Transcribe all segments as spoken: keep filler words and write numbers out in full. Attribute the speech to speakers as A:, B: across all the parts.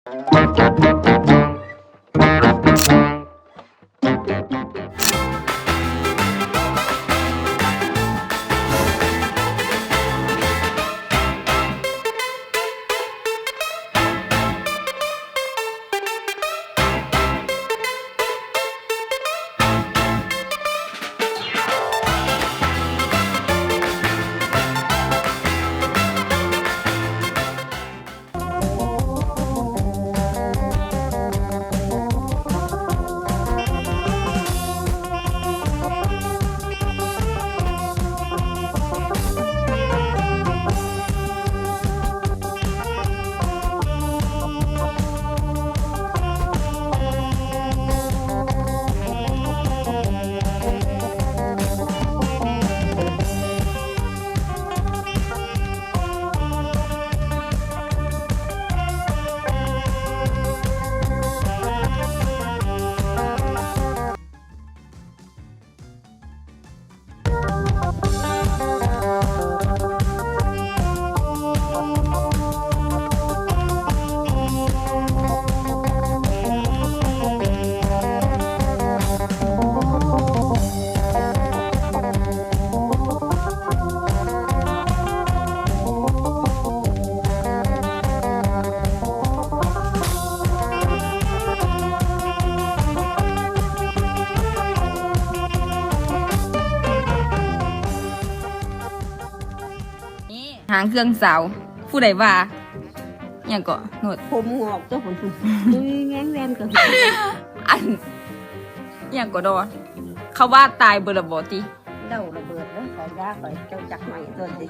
A: หางเครื่องสาวผู้ใดว่าอย่างก็โนด
B: ผมงอกตัวผมผมดูแง้งแรมก็
A: อันอย่างก็ดอเขาว่าตายเบอร์บอตี
B: เดาระเบิดแล้วขอยาขอยเจ้าจักใหม่ตัวสิ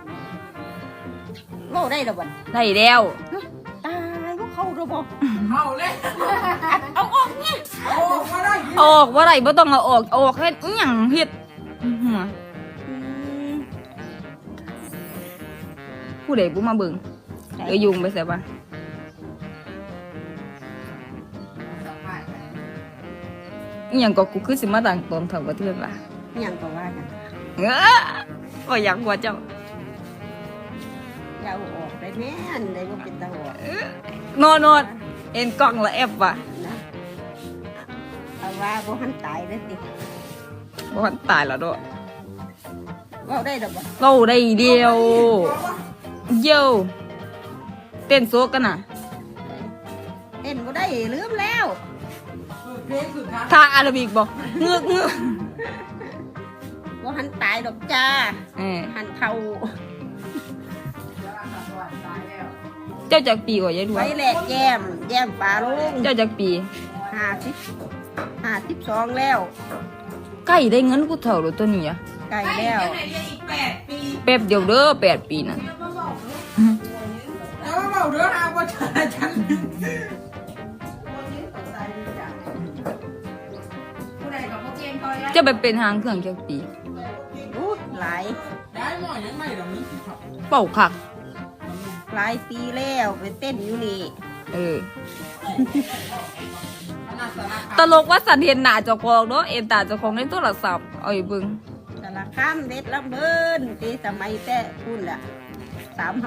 B: โลได้ระเบิด
A: ได้แล้ว
B: ตายพวกเขาระเบิด
C: เอาเลย
B: เอาออกเนี่ย
C: โอ้มาได้
A: ออกว่าไรบ่ต้องเอาออกเอาออกเฮ็ดอิหยังเฮ็ดอื้อหือผู้ใดบ่มาเบิ่งเดี๋ยวยุงไปใส่บ้านอิหยังก็กูคือสิมาต่างตนเท่ากับเทือนว่า
B: ยังก็ว่ากัน
A: เอ้อบ่อยากกว่าเจ้า
B: เจ้าออกได้แม่นได้ว่าเป็นตาออก
A: นอนนอนเอ็นกล้องละแอบว่ะ
B: นะเอาว่าบ่หันตายเลยสิ
A: บ่ทันตายแล้วเด้อ
B: ว่าได้ระเบิด
A: เราได้เดียวเยี่ยวเต้นโซกกันน่ะ
B: เต้นบ่ได้ลืมแล้ว
C: เพลงสุดท้าย
A: ทางอาราบิกบอกเงือกเงือก
B: บ่หันตายดอกจ้า
A: เออ
B: หันเข้า
A: เจ้าจากปีกว่ายายดว
B: ไว้
A: ง
B: แหลกแย้มแย้มปลาลง
A: เจ้าจากปี
B: ห้าสิบห้าสิบสองแล้ว
A: ใกล้ได้เงินกูเท่าหรือตัวนี้อะ
B: ใกล้แล้ว
C: ไหนเรียนอีกแปดปี
A: แป๊บเดียวเด้อแปดปีนั่น
C: แล้วเราเดินทางว่าฉันฉัน
A: เจะไปเป็นหางเครื่องจากปี
B: รู้หลาย
C: ได้หน่อยยังไม่หรอกนี่
A: เป่าคัก
B: หลายปีแล้วไปเต้นอยู่นี่
A: เออ ตลกว่าสันเห็นหน้าเจ้าของเนาะเอ็นตาเจ้าของในโทรศัพท์เอาอีเบิ่ง
B: สารคามเด็ดลำเบินตีสมัยแต่พูดละสามห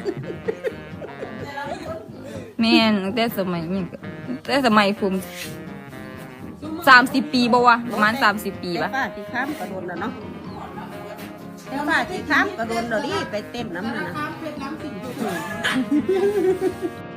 A: แม่นตั้งแต่สมัยนี้ก็ตั้งแต่สมัยผมสามสิบปีบ่วะประมาณสามสิบปี
B: ำ
A: ปะ
B: ป้าที่ข้ามกระโดนแล้วเนาะแต่ป้าที่ข้ามกระโดนเราดิไปเต้นน้ำนั่นนะ
C: น้ำเพชรน้ำสิงห์